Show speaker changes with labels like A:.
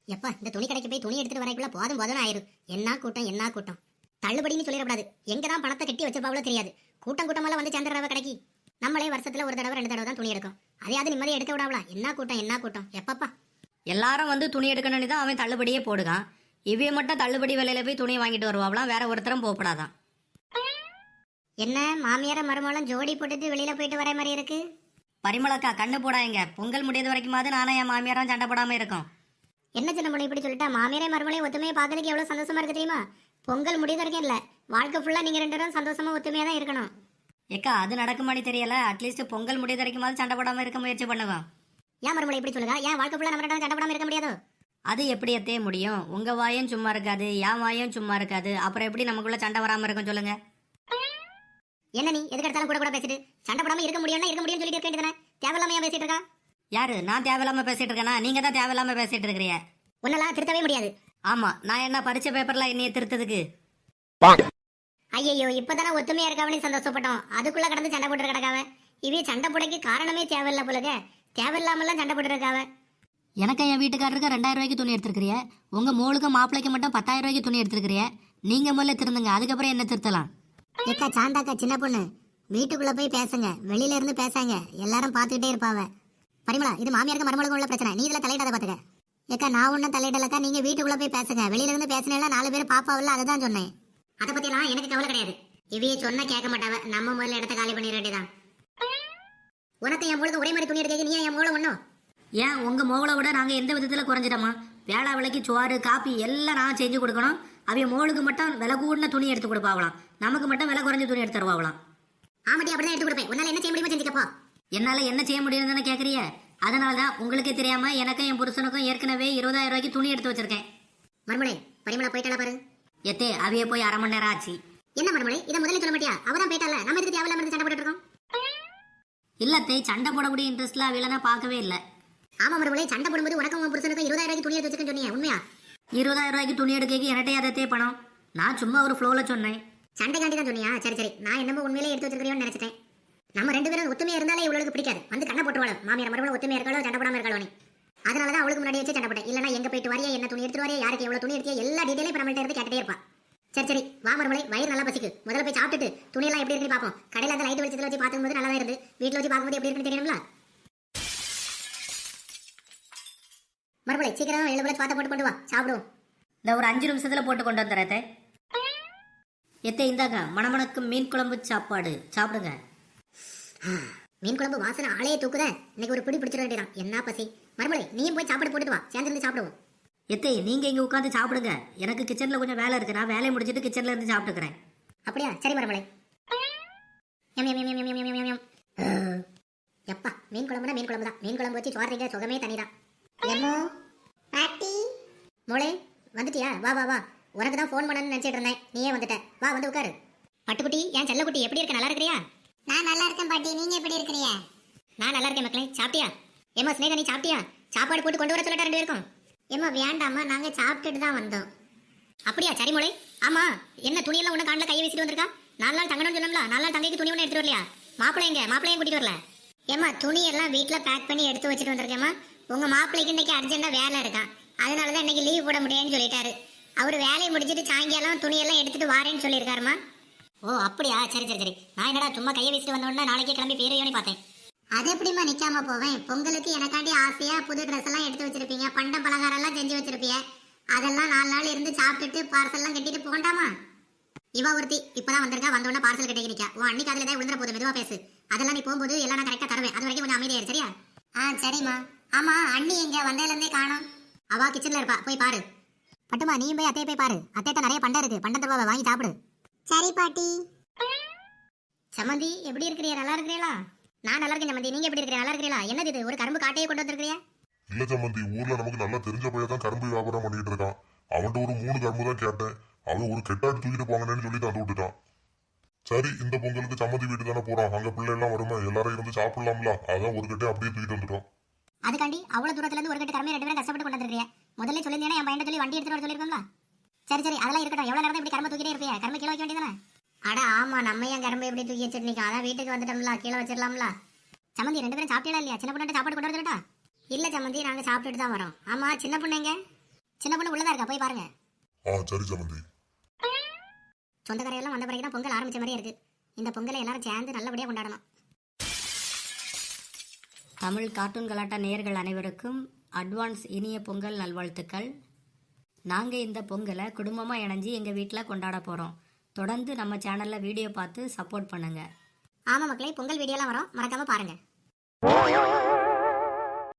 A: எப்பா இந்த துணி கடைக்கு போய் துணி எடுத்துட்டு வரைக்குள்ள போதும் போதும் ஆயிரும். என்ன கூட்டம் என்ன கூட்டம். தள்ளுபடின்னு சொல்லிடக்கூடாது. எங்கதான் பணத்தை கட்டி வச்சிருப்பாவளோ தெரியாது. கூட்டம் கூட்டமெல்லாம் வந்து சேர்ந்துடுறவ கடைக்கு. நம்மளே வருஷத்துல ஒரு தடவை 2 தடவை தான் துணி எடுக்கும். அதையாவது நிம்மதியை எடுக்க விடாவளா. என்ன கூட்டம் என்ன கூட்டம். எப்பப்பா
B: எல்லாரும் வந்து துணி எடுக்கணும்னு தான் அவன் தள்ளுபடியே போடுகான். இவைய மட்டும் தள்ளுபடி விலையில போய் துணி வாங்கிட்டு வருவாங்களாம். வேற ஒருத்தரும் போகப்படாதான்.
A: என்ன மாமியார மருமகளும் ஜோடி போட்டுட்டு வெளியில போயிட்டு வர மாதிரி இருக்கு.
B: பரிமளக்கா கண்ணு போடாங்க. பொங்கல் முடியாத வரைக்குமாவது நானும் என் மாமியாரும் சண்டை போடாம இருக்கோம்.
A: என்ன சின்ன பொண்ணு இப்படி சொல்லிட்டா. மாமியாரே மருமகளையும் ஒத்துமையை பார்க்கறதுக்கு எவ்வளவு சந்தோஷமா இருக்கு தெரியுமா. பொங்கல் முடியாத வரைக்கும் இல்ல, வாழ்க்கை ஃபுல்லா நீங்க 2 பேரும் சந்தோஷமா ஒத்துமையா தான் இருக்கணும்.
B: ஏக்கா அது நடக்குமானு தெரியல. அட்லீஸ்ட் பொங்கல் முடியாத வரைக்குமாவது சண்டை போடாம இருக்க முயற்சி பண்ணுவான்.
A: ஏன் மருமகளை இப்படி சொல்லுங்க. ஏன் வாழ்க்கை ஃபுல்லா நம்ம 2 பேரும் சண்டை போடாம இருக்க முடியாதோ.
B: அது எப்படி எத்தே முடியும்? உங்க வாயும் சும்மா இருக்காது, என் வாயும் சும்மா இருக்காது. அப்புறம் எப்படி நமக்குள்ள சண்டை வராம இருக்கும் சொல்லுங்க.
A: என்ன நீ எதுக்கு எடுத்தாலும் கூட கூட பேசிட்டு சண்டை போடாம இருக்க முடியும்னா இருக்க முடியும்னு சொல்லிட்டு இருக்க வேண்டியதானே. தேவையில்லாம ஏன் பேசிட்டு இருக்கா.
B: யாரு? நான் தேவையில்லாம பேசிட்டு இருக்கேனா? நீங்க தான் தேவையில்லாம பேசிட்டு இருக்கிறீங்க.
A: உன்னெல்லாம் திருத்தவே முடியாது.
B: ஆமா, நான் என்ன பரிச்ச பேப்பர்ல என்னைய திருத்ததுக்கு?
A: ஐயோ இப்பதானே ஒத்துமையா இருக்காவனே சந்தோஷப்பட்டோம். அதுக்குள்ள கடந்து சண்டை போட்டு கிடக்காவ. இவே சண்டை போடைக்கு காரணமே தேவையில்ல போலக. தேவையில்லாமலாம் சண்டை போட்டு இருக்காவ.
B: எனக்கு என் வீட்டுக்காரருக்கு 2000 ரூபாய்க்கு துணி எடுத்துருக்கிறிய. உங்க மோளுக்கு மாப்பிளைக்கு மட்டும் 10,000 ரூபாய்க்கு துணி எடுத்துருக்கிறிய. நீங்க முதல்ல திருந்துங்க, அதுக்கப்புறம் என்ன திருத்தலாம்.
A: ஏக்கா சாந்தாக்கா சின்ன பொண்ணு வீட்டுக்குள்ள போய் பேசுங்க. வெளியில இருந்து பேசாங்க. எல்லாரும் பாத்துக்கிட்டே இருப்பாவ. பரிமளா இது மாமியாருக்கு மருமகளுக்கு உள்ள பிரச்சனை. நீ இதுல தலையிடாத பாத்துக்க. ஏக்கா நான் ஒன்னும் தலையிடலக்கா. நீங்க வீட்டுக்குள்ள போய் பேசுங்க. வெளியில இருந்து பேசினா 4 பேர் பாப்பாவில்ல, அதுதான் சொன்னேன். அதை பத்தி எல்லாம் எனக்கு கவலை கிடையாது. இவையே சொன்னா கேட்க மாட்டாவ. நம்ம முதல்ல இடத்த காலி பண்ணிட வேண்டியதான். உனக்கு என் மூளுக்கு ஒரே மாதிரி துணி எடுக்க. நீ என் மூளை ஒண்ணும்.
B: ஏன் உங்க மோளை விட நாங்க எந்த விதத்துல குறைஞ்சிட்டோமா? வேளா விலைக்கு சோறு காப்பி எல்லாம் நான் செஞ்சு கொடுக்கணும். அவைய மோளுக்கு மட்டும் விலை கூடின துணி எடுத்து கொடுப்பாவலாம். நமக்கு மட்டும் விலை குறைஞ்ச துணி எடுத்து தருவாங்களாம்.
A: ஆமாட்டி அப்படிதான் எடுத்து கொடுப்பேன். உன்னால என்ன செய்ய முடியுமோ செஞ்சுக்கப்போ.
B: என்னால என்ன செய்ய முடியும்னு கேக்குறிய? அதனாலதான் உங்களுக்கே தெரியாம எனக்கும் என் புருஷனுக்கும் ஏற்கனவே 20,000 ரூபாய்க்கு துணி எடுத்து வச்சிருக்கேன்.
A: மருமலை பரிமளா போயிட்டால பாரு.
B: எத்தே அவைய போய் 1/2 மணி நேரம் ஆச்சு.
A: என்ன மருமலை இதை முதல்ல சொல்ல மாட்டியா? அவதான் போயிட்டால, நம்ம எதுக்கு தேவையில்லாம இருந்து சண்டை போட்டுட்டு இருக்கோம்.
B: இல்லத்தே சண்டை போடக்கூடிய இன்ட்ரெஸ்ட்ல அவையில நான் பார்க்கவே இல்லை.
A: ஆமா மருமலை சண்டை போடும்போது உனக்கும் உன் புருஷனுக்கும் 20,000 ரூபாய்க்கு துணி எடுத்து வச்சிருக்கேன்னு சொன்னீங்க, உண்மையா?
B: 20,000 ரூபாய்க்கு துணி எடுக்க எனட்டே அதே பணம். நான் சும்மா ஒரு ஃப்ளோல சொன்னேன்.
A: சண்டைக்காண்டி தான் சொன்னியா? சரி சரி, நான் என்னமோ உண்மையிலே எடுத்து வச்சிருக்கிறியோன்னு நினைச்சிட்டேன். நம்ம 2 பேரும் ஒத்துமையா இருந்தாலே இவளுக்கு பிடிக்காது. வந்து கண்ணை போட்டுவாள். மாமியார் மருமகளை ஒத்துமையா இருக்காளோ சண்டை போடாம இருக்காளோ நீ. அதனாலதான் அவளுக்கு முன்னாடி வச்சு சண்டை போட்டேன். இல்லனா எங்க போயிட்டு வரையா, என்ன துணி எடுத்து வரையா, யாருக்கு எவ்வளவு துணி எடுத்தியா, எல்லா டீடைலும் இப்ப நம்மள்ட்ட இருந்து கேட்டுட்டே இருப்பா. சரி சரி வா மருமலை, வயிறு நல்லா பசிக்கு. முதல்ல போய் சாப்பிட்டுட்டு துணியெல்லாம் எப்படி இருக்குன்னு பார்ப்போம். கடையில அந்த லைட் வெளிச்சத்துல வச்சு பார்க்கும்போது நல்லா இருந்து, வீட்டுல வச்சு பார்க்கும்போது எப்படி இருக்குன்னு தெரியணும்ல. மறுபடியும் சீக்கிரம் 7 பிளேட் பாத்த போட்டு கொண்டு வா, சாப்பிடுவோம்.
B: இந்த ஒரு 5 நிமிஷத்துல போட்டு கொண்டு வந்துடுறேன். எத்தே இந்தாங்க மணமணக்கு மீன் குழம்பு சாப்பாடு சாப்பிடுங்க.
A: மீன் குழம்பு வாசனை ஆளையே தூக்குத. இன்னைக்கு ஒரு பிடி பிடிச்சிட வேண்டியதான். என்ன பசி. மறுபடியும் நீயும் போய் சாப்பாடு போட்டுட்டு வா, சேர்ந்து சாப்பிடுவோம்.
B: எத்தே நீங்க இங்க உட்காந்து சாப்பிடுங்க. எனக்கு கிச்சன்ல கொஞ்சம் வேலை இருக்கு. நான் வேலையை முடிச்சிட்டு கிச்சன்ல இருந்து சாப்பிட்டுக்கிறேன்.
A: அப்படியா? சரி மறுபடியும். எப்பா மீன் குழம்புனா மீன் குழம்பு தான். மீன் குழம்பு வச்சு சோறீங்க சுகமே தனிதான். எம்மோ பாட்டி மோளே வந்துட்டியா? வா வா வா. உனக்கு தான் ஃபோன் பண்ணணும்னு நினைச்சிட்டு இருந்தேன். நீயே வந்துட்ட. வா வந்து உட்காரு. பட்டுக்குட்டி என் செல்லக்குட்டி எப்படி இருக்க? நல்லா இருக்கிறியா? நான் நல்லா இருக்கேன் பாட்டி. நீங்க எப்படி இருக்கிறீங்க? நான் நல்லா இருக்கேன் மக்களே. சாப்பிட்டியா? ஏமா ஸ்னேகா நீ சாப்பிட்டியா? சாப்பாடு போட்டு கொண்டு வர சொல்லட்டா 2 பேருக்கும்? ஏமா வேண்டாமா, நாங்க சாப்பிட்டுட்டு தான் வந்தோம். அப்படியா? சரி மோளே. ஆமா என்ன துணியெல்லாம் ஒண்ணு காண்ல கையை வீசிட்டு வந்திருக்கா? 4 நாள் தங்கணும்னு சொன்னோம்ல. 4 நாள் தங்கைக்கு துணி ஒண்ணு எடுத்துட்டு வரலையா? மாப்பிள்ளையும் கூட்டிட்டு வரல? ஏமா துணி எல்லாம் வீட்டுல பேக் பண்ணி எடுத்து வச்சுட்டு வந்திருக்கேம்மா. உங்க மாப்பிள்ளைக்கு இன்னைக்கு அர்ஜென்ட்டா வேலை இருக்கான். அதனாலதான் இன்னைக்கு லீவ் போட முடியாதுன்னு சொல்லிட்டாரு. அவரு வேலையை முடிச்சிட்டு சாயங்காலம் துணியெல்லாம் எடுத்துட்டு வாரேன்னு சொல்லியிருக்காருமா. ஓ அப்படியா? சரி சரி சரி. நான் என்னடா சும்மா கையை வீசிட்டு வந்தோன்னா நாளைக்கே கிளம்பி பேரையோன்னு பார்த்தேன். அது எப்படிமா நிக்காம போவேன்? பொங்கலுக்கு எனக்காண்டி ஆசையா புது ட்ரெஸ் எல்லாம் எடுத்து வச்சிருப்பீங்க, பண்ட பலகாரம் எல்லாம் செஞ்சு வச்சிருப்பீங்க. அதெல்லாம் 4 நாள் இருந்து சாப்பிட்டுட்டு பார்சல் எல்லாம் கட்டிட்டு போகண்டாமா? இவ ஒருத்தி இப்பதான் வந்திருக்கா. வந்தோடனே பார்சல் கட்டி நிக்கா. உன் அன்னைக்கு அதுல விழுந்துற போது மெதுவா பேசு. அதெல்லாம் நீ போகும்போது எல்லாம் நான் கரெக்டா தருவேன். அது வரைக்கும் கொஞ்சம் அமைதியா சரியா? சரிம்மா. ஆமா அண்ணி எங்க? வந்ததுல இருந்தே காணோம். அவா கிச்சன்ல இருப்பா, போய் பாரு. பட்டுமா நீயும் போய் அத்தையை போய் பாரு. அத்தைட்ட நிறைய பண்டம் இருக்கு, பண்டம் தருவா, வாங்கி சாப்பிடு. சரி பாட்டி. சமந்தி எப்படி இருக்கிறீ? நல்லா இருக்கிறீங்களா? நான் நல்லா இருக்கேன் சமந்தி. நீங்க எப்படி இருக்கிறீங்க? நல்லா இருக்கிறீங்களா? என்னது இது ஒரு கரும்பு காட்டையே கொண்டு வந்திருக்கிறியா?
C: இல்ல சம்பந்தி, ஊர்ல நமக்கு நல்லா தெரிஞ்ச பையன் தான் கரும்பு வியாபாரம் பண்ணிட்டு இருக்கான். அவன்கிட்ட ஒரு 3 கரும்பு தான் கேட்டேன். அவன் ஒரு கெட்டாடு தூக்கிட்டு போங்கன்னு சொல்லி தந்து விட்டுட்டான். சரி இந்த பொங்கலுக்கு சம்மந்தி வீட்டு தானே போறோம். அங்க பிள்ளை எல்லாம் வருமா, எல்லாரும் இருந்து சாப்பிடலாம்ல. அதான் ஒரு கட்டை அப்படியே தூக்கிட்டு வந்துட்டோம்.
A: அதுக்காண்டி அவ்வளவு தூரத்துல இருந்து ஒரு கட்டு கரும்பு 2 பேரும் கஷ்டப்பட்டு கொண்டு வந்திருக்கியா? முதல்ல சொல்லிருந்தேன்னா என் பையன் சொல்லி வண்டி எடுத்துட்டு வர சொல்லிருக்கோம்ல. சரி சரி அதெல்லாம் இருக்கட்டும். எவ்வளவு நேரம் இப்படி கரும்பு தூக்கிட்டே இருப்பியா? கரும்பு கீழே வைக்க வேண்டியதானே? அட ஆமா, நம்ம ஏன் கரும்பு எப்படி தூக்கி வச்சிருக்கீங்க? அதான் வீட்டுக்கு வந்துட்டோம்ல, கீழே வச்சிடலாம்ல. சமந்தி 2 பேரும் சாப்பிட்டீங்களா இல்லையா? சின்ன பொண்ணு சாப்பாடு கொண்டு வந்துட்டா? இல்ல சமந்தி, நாங்க சாப்பிட்டுட்டு தான் வரோம். ஆமா சின்ன பொண்ணுங்க சின்ன பொண்ணு உள்ளதா இருக்கா, போய் பாருங்க.
C: சரி சம்மந்தி.
A: சொந்தக்காரையெல்லாம் வந்த பிறகு தான் பொங்கல் ஆரம்பிச்ச மாதிரியே இருக்கு. இந்த பொங்கலை எல்லாரும் சேர்ந்து நல்லபடியா கொண்டாடணும்.
B: தமிழ் கார்ட்டூன் கலாட்டா நேயர்கள் அனைவருக்கும் அட்வான்ஸ் இனிய பொங்கல் நல்வாழ்த்துக்கள். நாங்கள் இந்த பொங்கலை குடும்பமாக இணைஞ்சு எங்கள் வீட்டில் கொண்டாட போகிறோம். தொடர்ந்து நம்ம சேனலில் வீடியோ பார்த்து சப்போர்ட் பண்ணுங்கள்.
A: ஆமா மக்களே, பொங்கல் வீடியோலாம் வரும், மறக்காம பாருங்க.